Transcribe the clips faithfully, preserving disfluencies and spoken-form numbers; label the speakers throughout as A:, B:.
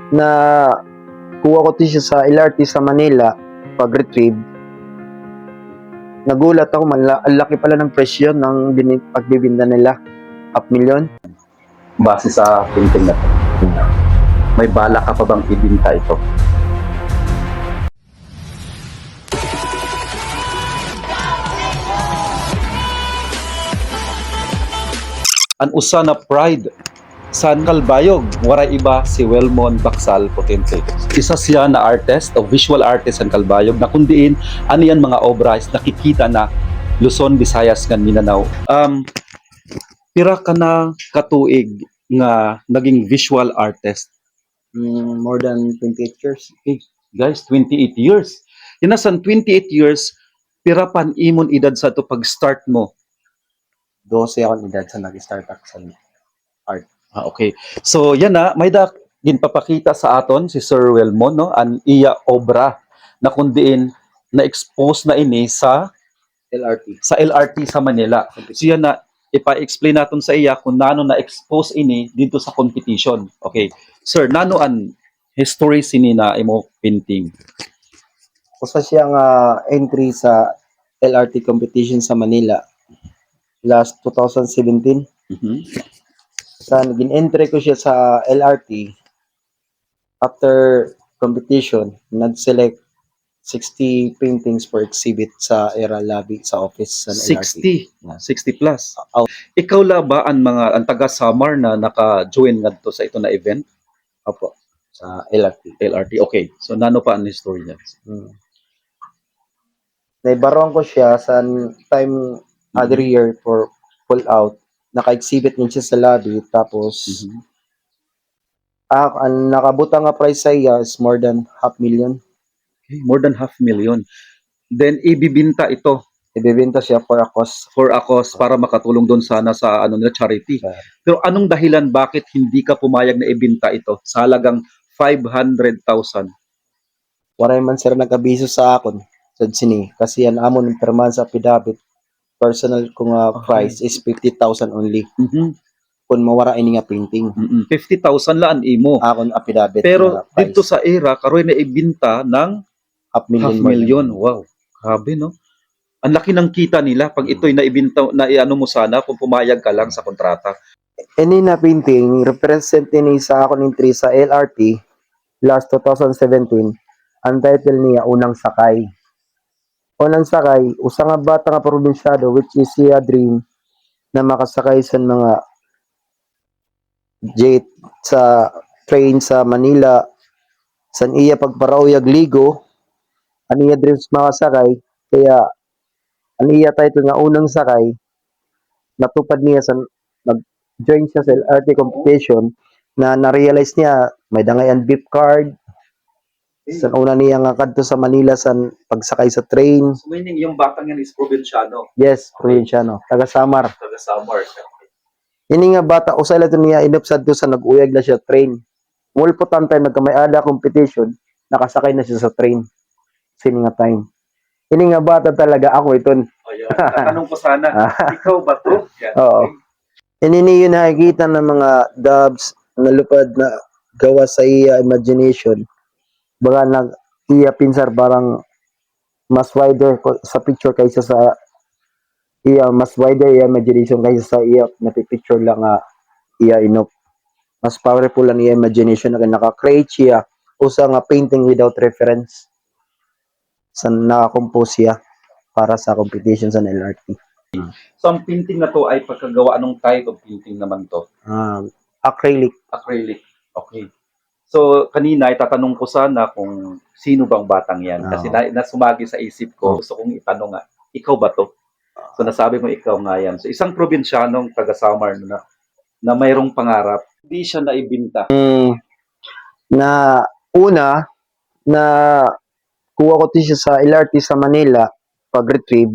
A: na kuha ko to siya sa L R T sa Manila pag-retrieve. Nagulat ako, mala- ang laki pala ng presyo ng bin- pagbibinda nila. Half million.
B: Base sa painting na to. May bala ka pa bang ibinta ito? An usa na pride San Calbayog, waray iba si Welmon Bacsal Potente. Isa siya na artist o visual artist San Calbayog na kundiin ano yan mga obras nakikita na Luzon, Visayas ngan Mindanao. Um, pira ka na katuig nga naging visual artist.
A: Mm, more than twenty-eight years.
B: Okay, guys, twenty-eight years. Inasan twenty-eight years, pira pan imon edad sa to pag-start mo.
A: twelve ako ni dad sa nag-start ako sa art.
B: Ah, okay. So, yan na, may da ginpapakita sa aton si Sir Welmon, no? An iya obra na kundiin na-expose na ini sa
A: L R T.
B: sa L R T sa Manila. So, yan na, ipa-explain natin sa iya kung nano na-expose ini dito sa competition. Okay. Sir, nano an history sini na imo painting?
A: Usa siya nga entry sa L R T competition sa Manila last twenty seventeen.
B: Mhm.
A: Sa naging entry ko siya sa L R T, after competition, nag-select sixty paintings for exhibit sa era lobby sa office sa L R T.
B: sixty.
A: Yeah.
B: sixty plus.
A: Oh.
B: Ikaw la ba ang mga ang taga Samar na naka-join ngadto sa ito na event?
A: Opo, sa L R T.
B: L R T. Okay. So nano pa ang history niya?
A: Hmm. Naibaron ko siya sa time other year for pull out. Naka-exhibit din siya sa lobby, tapos
B: Mhm.
A: ah, ang nakabutang nga price sa iya is more than half million.
B: Okay, more than half million. Then ibibinta ito
A: Ibebenta siya for a cost.
B: for a cause para makatulong doon sana sa ano na charity.
A: Yeah.
B: Pero anong dahilan bakit hindi ka pumayag na ibinta ito sa halagang five hundred thousand?
A: Waray man sir nag-abiso sa akon sa sini kasi yan amon per month sa affidavit. Personal ko nga
B: Okay.
A: price is fifty thousand only.
B: Mhm.
A: Kung mawara ini nga painting.
B: Mhm. fifty thousand laan imo.
A: Akon affidavit
B: Pero
A: nga price.
B: dito sa era karoy na ibinta ng
A: half million.
B: half
A: more
B: million.
A: than-
B: Wow. Grabe no. Ang laki ng kita nila pag ito'y naibinta na iano mo sana kung pumayag ka lang sa kontrata.
A: Ini na painting represent ni sa akon entry sa L R T last twenty seventeen. Ang title niya Unang Sakay. Unang Sakay, usa nga bata nga probinsyado which is siya dream na makasakay sa mga jet sa train sa Manila, san iya pagparauyag ligo, aniya dreams makasakay, kaya aniya title nga Unang Sakay, natupad niya sa nag-join siya sa L R T competition na na-realize niya may dangayan beep card. Sa una niya nga kadto sa Manila sa pagsakay sa train.
B: So meaning yung batang yan is probinsyano,
A: Yes, probinsyano, taga Samar.
B: taga Samar.
A: Ini nga bata usay lang to niya inupsad to sa nag-uyag na siya train. Mulpo time nagkamay-ada competition, nakasakay na siya sa train. Sini nga time. Ini nga bata talaga ako iton.
B: O yun, tatanong ko sana, ikaw ba to? Yan.
A: Oo. Ini niyo nakikita ng mga dubs na lupad na gawa sa iya imagination. Baga nag iya pinsar barang mas wider ko- sa picture kaysa sa iya, mas wider iya imagination kaysa sa iya napipicture lang nga iya inop. Mas powerful lang iya imagination na naka-create siya usa nga painting without reference sa naka-compose siya para sa competition sa L R T.
B: So ang painting na to ay pagkagawa anong type of painting naman to?
A: Um, acrylic.
B: Acrylic. Okay. So kanina itatanong ko sana kung sino bang batang yan kasi
A: Oo.
B: na, nasumagi sa isip ko, gusto kong itanong nga, ikaw ba to? So nasabi mo ikaw nga yan. So isang probinsyanong taga Samar na na mayroong pangarap, hindi siya naibinta.
A: Mm, na una na kuha ko to siya sa L R T sa Manila pag-retrieve.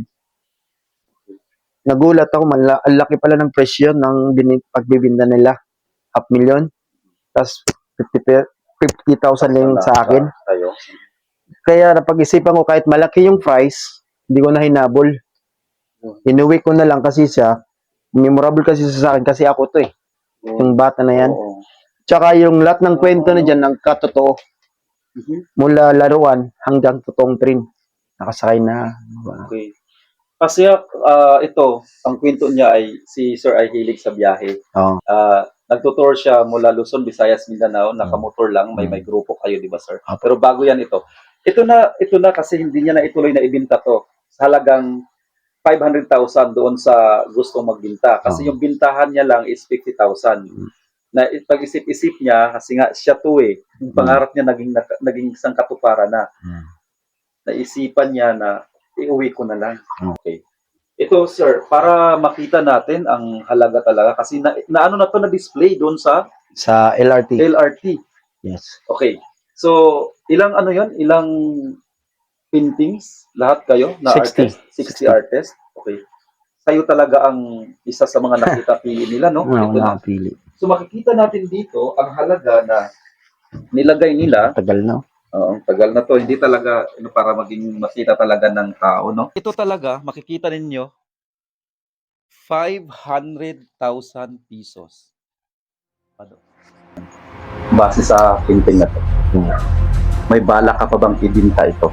A: Nagulat ako, mala, ang laki pala ng presyo ng bin, pagbibinda nila. Half million. Tapos fifty thousand lang sa akin.
B: Tayo.
A: Kaya napag-isipan ko kahit malaki yung price, hindi ko na hinabol. Inuwi ko na lang kasi siya, memorable kasi siya sa akin kasi ako to eh. Yung bata na yan.
B: Oo.
A: Tsaka yung lahat ng kwento na dyan, ang katotoo, mula laruan hanggang totoong train. Nakasakay na.
B: Okay. Kasi ah, ito, ang kwento niya ay si Sir ay hilig sa biyahe.
A: Oo.
B: Ah, nagtutour siya mula Luzon, Visayas, Mindanao, nakamotor lang, may may grupo kayo, di ba, sir?
A: Apo.
B: Pero bago yan ito. Ito na, ito na kasi hindi niya na ituloy na ibinta to. Sa halagang five hundred thousand doon sa gustong magbinta. Kasi
A: Oo.
B: yung bintahan niya lang is fifty thousand. Na pag-isip-isip niya, kasi nga siya to eh, yung pangarap niya naging, naging isang katuparan na.
A: Hmm.
B: Naisipan niya na iuwi ko na lang.
A: Hmm.
B: Okay. Ito, sir, para makita natin ang halaga talaga kasi na, na ano na to na display doon sa
A: Sa L R T.
B: L R T.
A: Yes.
B: Okay. So, ilang ano 'yon? Ilang paintings lahat kayo na
A: sixty.
B: artist? sixty artists. Okay. Kayo talaga ang isa sa mga nakita pili nila, no?
A: Wala
B: Ito na.
A: nakapili.
B: So makikita natin dito ang halaga na nilagay nila.
A: Tagal na.
B: Oo, tagal na to. Hindi talaga ano, para maging makita talaga ng tao, no? Ito talaga, makikita ninyo, five hundred thousand pesos. Ano? Base sa painting na to.
A: Hmm.
B: May bala ka pa bang ibinta ito?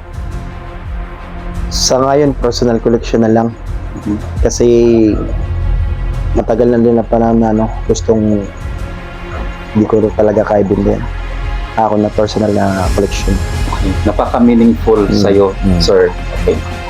A: Sa ngayon, personal collection na lang.
B: Mhm.
A: Kasi matagal na din na pa namin ano, gustong hindi ko talaga kaya bilhin. Ako na personal na collection.
B: Okay. Napaka-meaningful
A: Mm.
B: sa'yo,
A: Mm.
B: sir. Okay.